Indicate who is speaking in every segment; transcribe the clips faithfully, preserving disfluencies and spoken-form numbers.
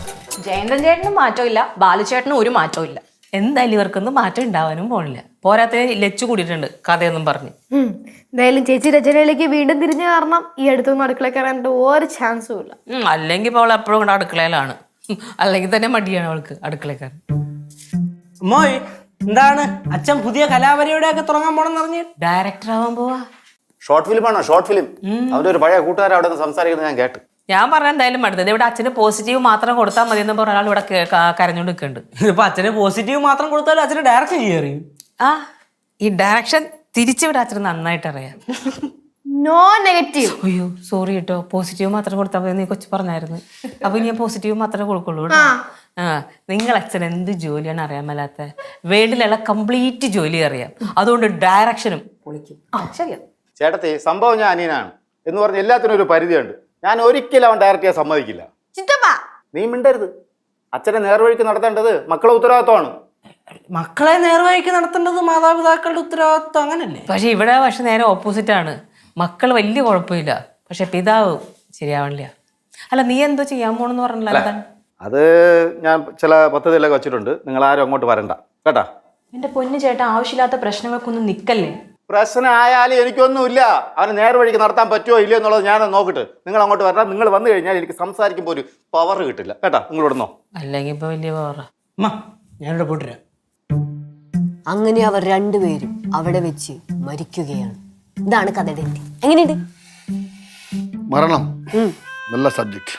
Speaker 1: ജയന്തൻ ചേട്ടനും മാറ്റമില്ല, ബാലുചേട്ടനും ഒരു മാറ്റവും ഇല്ല.
Speaker 2: എന്തായാലും ഇവർക്കൊന്നും മാറ്റം ഉണ്ടാവാനും പോണില്ല. പോരാത്തതിന് ലച്ചു കൂടിയിട്ടുണ്ട് കഥയൊന്നും പറഞ്ഞ്.
Speaker 3: എന്തായാലും ചേച്ചി രചനയിലേക്ക് വീണ്ടും തിരിഞ്ഞു കാരണം ഈ അടുത്തൊന്നും അടുക്കള കയറാനായിട്ട് ഒരു ചാൻസും ഇല്ല.
Speaker 2: അല്ലെങ്കിൽ ഇപ്പോൾ അവൾ എപ്പോഴും കൊണ്ട് അടുക്കളയിലാണ്. അല്ലെങ്കിൽ തന്നെ മടിയാണ് അവൾക്ക് അടുക്കളക്കാരൻ.
Speaker 4: മോയ് എന്താണ് അച്ഛൻ പുതിയ കലാപരിപാടിയൊക്കെ ഒക്കെ തുടങ്ങാൻ പോണെന്ന് പറഞ്ഞ്
Speaker 2: ഡയറക്ടർ ആവാൻ പോവാ.
Speaker 5: ഷോർട്ട് ഫിലിം ആണോ? Short film. അവന്റെ ഒരു പഴയ കൂട്ടുകാരൻ അവിടെ നിന്ന് സംസാരിക്കുന്നത് ഞാൻ കേട്ടു.
Speaker 2: ഞാൻ പറഞ്ഞ എന്തായാലും അടുത്തത് ഇവിടെ അച്ഛന് പോസിറ്റീവ് മാത്രം കൊടുത്താൽ മതി എന്ന് പറഞ്ഞ ഒരാൾ ഇവിടെ കരഞ്ഞോണ്ട് നിൽക്കുന്നുണ്ട്.
Speaker 4: ഇതിപ്പോ അച്ഛന് പോസിറ്റീവ് മാത്രം കൊടുത്താലും അച്ഛന് ഡയറക്ഷൻ ചെയ്യറിയും.
Speaker 2: ആ ഈ ഡയറക്ഷൻ തിരിച്ചിവിടെ അച്ഛന് നന്നായിട്ട് അറിയാം.
Speaker 3: No negative.
Speaker 2: അയ്യോ സോറി കേട്ടോ, പോസിറ്റീവ് മാത്രം കൊടുത്താൽ മതി നീ കൊച്ചു പറഞ്ഞായിരുന്നു. അപ്പൊ ഞാൻ പോസിറ്റീവ് മാത്രമേ കൊടുക്കുള്ളൂ. ആ നിങ്ങൾ അച്ഛൻ എന്ത് ജോലിയാണ് അറിയാൻ മേലാത്ത? വേൾഡിലുള്ള കംപ്ലീറ്റ് ജോലി അറിയാം. അതുകൊണ്ട് ഡയറക്ഷനും പൊളിക്കും. ആ ശരിയാ
Speaker 5: ചേട്ടത്തി, സംഭവം ഞാൻ അനിയനാണ് എന്ന് പറഞ്ഞ് എല്ലാത്തിനും ഒരു പരിധിയുണ്ട്. ഞാൻ ഒരിക്കലും അവൻ ഡയറക്റ്റ് ചെയ്യാൻ സമ്മതിക്കില്ല. നീ മിണ്ടരുത്. അച്ഛനെ നേർവഴിക്ക് നടത്തേണ്ടത് മക്കളെ ഉത്തരവാദിത്വമാണ്.
Speaker 4: മക്കളെ നേർവഴിക്ക് നടത്തേണ്ടത് മാതാപിതാക്കളുടെ ഉത്തരവാദിത്വം, അങ്ങനല്ലേ?
Speaker 2: പക്ഷെ ഇവിടെ പക്ഷെ നേരെ ഓപ്പോസിറ്റ് ആണ്. മക്കൾ വലിയ കുഴപ്പമില്ല, പക്ഷെ പിതാവ് ശരിയാവണില്ല. അല്ല നീ എന്തോ ചെയ്യാൻ പോണെന്ന് പറഞ്ഞില്ല?
Speaker 5: അത് ഞാൻ ചില പദ്ധതികളൊക്കെ വെച്ചിട്ടുണ്ട്. നിങ്ങൾ ആരും അങ്ങോട്ട് വരണ്ട കേട്ടാ.
Speaker 1: എന്റെ പൊന്നു ചേട്ടാ, ആവശ്യമില്ലാത്ത പ്രശ്നങ്ങൾക്കൊന്നും നിക്കല്ലേ.
Speaker 5: പ്രശ്നം ആയാലും എനിക്കൊന്നുമില്ല. അവന് നേർവഴിക്ക് നടത്താൻ പറ്റുമോ ഇല്ലയോ എന്നുള്ളത് ഞാൻ നോക്കിട്ട് നിങ്ങൾ അങ്ങോട്ട് വരണം. നിങ്ങൾ വന്നു കഴിഞ്ഞാൽ എനിക്ക് സംസാരിക്കുമ്പോൾ ഒരു പവർ കിട്ടില്ല കേട്ടാ. നിങ്ങൾ ഇവിടുന്നോ?
Speaker 2: അല്ലെങ്കിൽ ഇപ്പൊ വലിയ പവറ.
Speaker 4: ഞാനിവിടെ പോയിട്ടില്ല.
Speaker 6: അങ്ങനെ അവർ രണ്ടുപേരും അവിടെ വെച്ച് മരിക്കുകയാണ്. ഇതാണ് കഥയുടെ എൻഡ്. എങ്ങനെയുണ്ട്?
Speaker 7: മരണം നല്ല സബ്ജക്റ്റ്.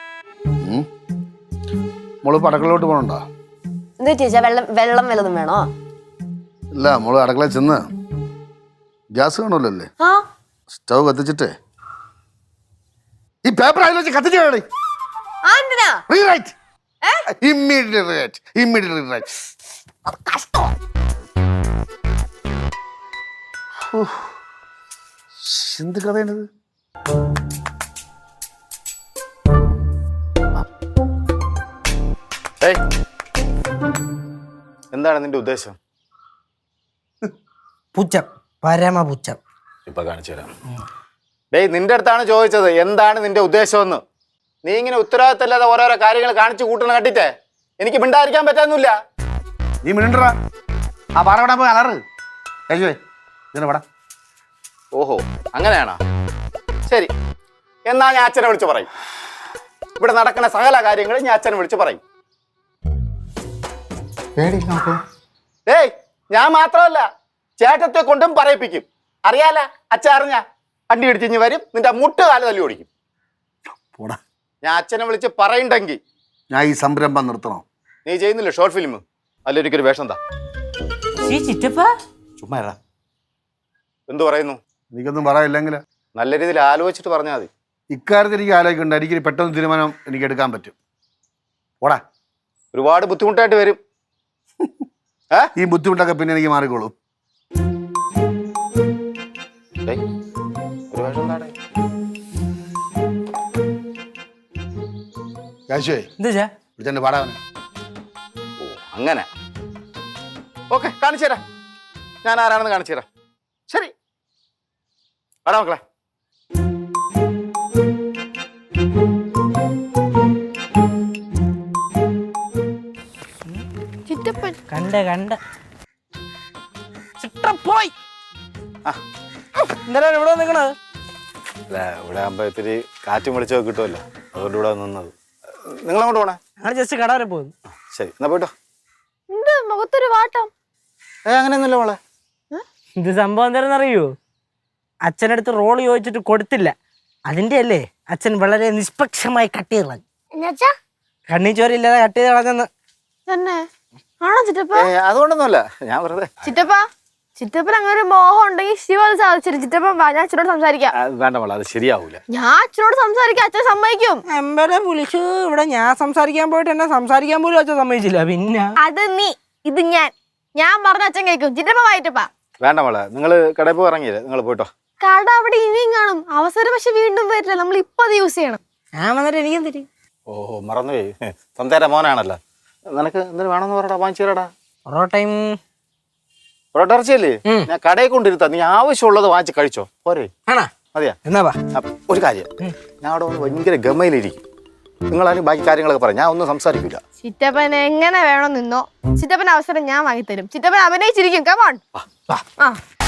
Speaker 7: മോള് അടുക്കളയിലോട്ട് പോകണുണ്ടോ?
Speaker 6: എന്താ ചേച്ചാ, വെള്ളം വെള്ളം വല്ലതും വേണോ?
Speaker 7: ഇല്ല, മോള് അടുക്കളയിൽ ചെന്ന് ഗ്യാസ് കാണുമല്ലോ അല്ലേ,
Speaker 6: ആ
Speaker 7: സ്റ്റവ് കത്തിച്ചിട്ടേ ഈ പേപ്പർ അതിൽ വെച്ച് കത്തിച്ച് കാണേ. Rewrite immediately write immediately write. എന്ത് കഥയാണിത്?
Speaker 5: എന്താണ് നിന്റെ ഉദ്ദേശം?
Speaker 4: പുച്ഛം, പരമ പുച്ഛം.
Speaker 5: ഇപ്പൊ കാണിച്ചു തരാം. ഡേയ്, നിന്റെ അടുത്താണ് ചോദിച്ചത് എന്താണ് നിന്റെ ഉദ്ദേശമെന്ന്. നീ ഇങ്ങനെ ഉത്തരവാദിത്തമില്ലാതെ ഓരോരോ കാര്യങ്ങൾ കാണിച്ചു കൂട്ടണം കണ്ടിട്ടേ എനിക്ക് മിണ്ടായിരിക്കാൻ പറ്റാന്നില്ല.
Speaker 7: നീ മിണ്ടറാ. ആ പാറ പോയി അലറ് കഴിച്ചുവേ ഇതിനെ പടാ.
Speaker 5: ഓഹോ അങ്ങനെയാണോ? ശരി, എന്നാ ഞാൻ അച്ഛനെ വിളിച്ച് പറയും. ഇവിടെ നടക്കുന്ന സകല കാര്യങ്ങളും ഞാൻ അച്ഛനെ വിളിച്ച് പറയും. ഏയ്, ഞാൻ മാത്രമല്ല ചേട്ടത്തെ കൊണ്ടും പറയിപ്പിക്കും. അറിയാല, അച്ഛൻ അറിഞ്ഞ വണ്ടി ഇടിച്ചിഞ്ഞ് വരും, നിന്റെ മുട്ട് കാല് തല്ലി ഓടിക്കും. ഞാൻ അച്ഛനെ വിളിച്ച് പറയണ്ടെങ്കിൽ
Speaker 7: ഞാൻ ഈ സംരംഭം നിർത്തണം.
Speaker 5: നീ ചെയ്യുന്നില്ല ഷോർട്ട് ഫിലിം? അല്ലൊരിക്കൊരു വേഷം എന്താ? ചുമ്മാ എന്തു പറയുന്നു?
Speaker 7: എനിക്കൊന്നും പറയില്ലെങ്കിൽ
Speaker 5: നല്ല രീതിയിൽ ആലോചിച്ചിട്ട് പറഞ്ഞാൽ മതി.
Speaker 7: ഇക്കാര്യത്തിൽ എനിക്ക് ആലോചിക്കണ്ട. എനിക്ക് പെട്ടെന്ന് തീരുമാനം എനിക്ക് എടുക്കാൻ പറ്റും. ഓടാ.
Speaker 5: ഒരുപാട് ബുദ്ധിമുട്ടായിട്ട് വരും.
Speaker 7: ഈ ബുദ്ധിമുട്ടൊക്കെ പിന്നെ എനിക്ക് മാറിക്കോളും. അങ്ങനെ ഓക്കെ, കാണിച്ചു തരാം. ഞാൻ ആരാണെന്ന് കാണിച്ചു തരാം. ശരി, ആടാ മക്കളെ.
Speaker 4: കണ്ട കണ്ട പോയി. എന്തായാലും ഇവിടെ നിൽക്കണത്
Speaker 5: ഇവിടെ ആകുമ്പോ ഇത്തിരി കാറ്റും വെളിച്ചൊക്കെ കിട്ടുമല്ലോ, അതുകൊണ്ട് ഇവിടെ നിന്നത്. നിങ്ങൾ അങ്ങോട്ട് പോണേ?
Speaker 4: ഞങ്ങൾ ജസ്റ്റ് കട വരെ പോകുന്നു.
Speaker 5: ശരി, എന്നാ പോയിട്ടോ.
Speaker 3: മുഖത്തൊരു വാട്ടം.
Speaker 5: ഏ അങ്ങനെയൊന്നുമില്ല മോളെ.
Speaker 4: ഇത് സംഭവം എന്താണെന്ന് അറിയോ? അച്ഛനടുത്ത് റോൾ ചോദിച്ചിട്ട് കൊടുത്തില്ല. അതിന്റെ അല്ലേ അച്ഛൻ വളരെ നിഷ്പക്ഷമായി കട്ട് ചെയ്ത് കളഞ്ഞു. കണ്ണീ ചോരയില്ലാതെ കട്ട് ചെയ്ത് കളഞ്ഞെന്ന്.
Speaker 3: ആണോ ചിറ്റപ്പ?
Speaker 5: അതുകൊണ്ടൊന്നുമല്ല, ഞാൻ വെറുതെ.
Speaker 3: ചിറ്റപ്പ ചിറ്റപ്പൻ അങ്ങനെ ഒരു മോഹം ഉണ്ടെങ്കിൽ ശിവ അത് സാധിച്ചിട്ട് ചിറ്റപ്പൻ ഞാൻ അച്ഛനോട് സംസാരിക്കാം.
Speaker 5: വേണ്ട മോളെ, അത് ശരിയാവൂല.
Speaker 3: ഞാൻ അച്ഛനോട് സംസാരിക്കാം, അച്ഛൻ സമ്മതിക്കും.
Speaker 4: എമ്പലെ വിളിച്ചു ഇവിടെ ഞാൻ സംസാരിക്കാൻ പോയിട്ട് എന്നെ സംസാരിക്കാൻ പോലും അച്ഛൻ സമ്മതിച്ചില്ല. പിന്നെ
Speaker 3: അത് നീ, ഇത് ഞാൻ ഞാൻ പറഞ്ഞ അച്ഛൻ കേൾക്കും. ചിറ്റപ്പ വായിട്ടപ്പാ.
Speaker 5: വേണ്ട മോളെ, നിങ്ങൾ കടയിൽ പോയി ഇറങ്ങിയില്ലേ, നിങ്ങൾ പോയിട്ടോ.
Speaker 3: കട അവിടെ ഇനിയും കാണും. അവസരം പക്ഷെ വീണ്ടും വരില്ല. നമ്മൾ ഇപ്പൊ അത് യൂസ് ചെയ്യണം.
Speaker 4: ഞാൻ വന്നിട്ട് എനിക്കും തരും.
Speaker 5: ഓഹോ മറന്നുപോയി, തന്തേര മോനാണല്ലോ. നിനക്ക് എന്തിനു വേണമെന്ന് പറയടാ, വാങ്ങിച്ചു തരാടാ.
Speaker 4: പൊറോട്ടയും
Speaker 5: പൊറോട്ട ഇറച്ചിയല്ലേ? ഞാൻ കടയിൽ കൊണ്ടിരുത്താം, നീ ആവശ്യമുള്ളത് വാങ്ങിച്ച് കഴിച്ചോ പോരെ?
Speaker 4: ആണോ?
Speaker 5: മതിയാ?
Speaker 4: എന്നാ
Speaker 5: ഒരു കാര്യം, ഞാൻ അവിടെ ഭയങ്കര ഗമയിലിരിക്കും. നിങ്ങളാരും ബാക്കി കാര്യങ്ങളൊക്കെ പറയാം, ഞാൻ ഒന്നും സംസാരിക്കില്ല.
Speaker 3: ചിറ്റപ്പൻ എങ്ങനെ വേണം നിന്നോ, ചിറ്റപ്പൻ അവസരം ഞാൻ വാങ്ങിത്തരും. ചിറ്റപ്പൻ അഭിനയിച്ചിരിക്കും. കമോൺ.
Speaker 5: വാ വാ
Speaker 3: ആ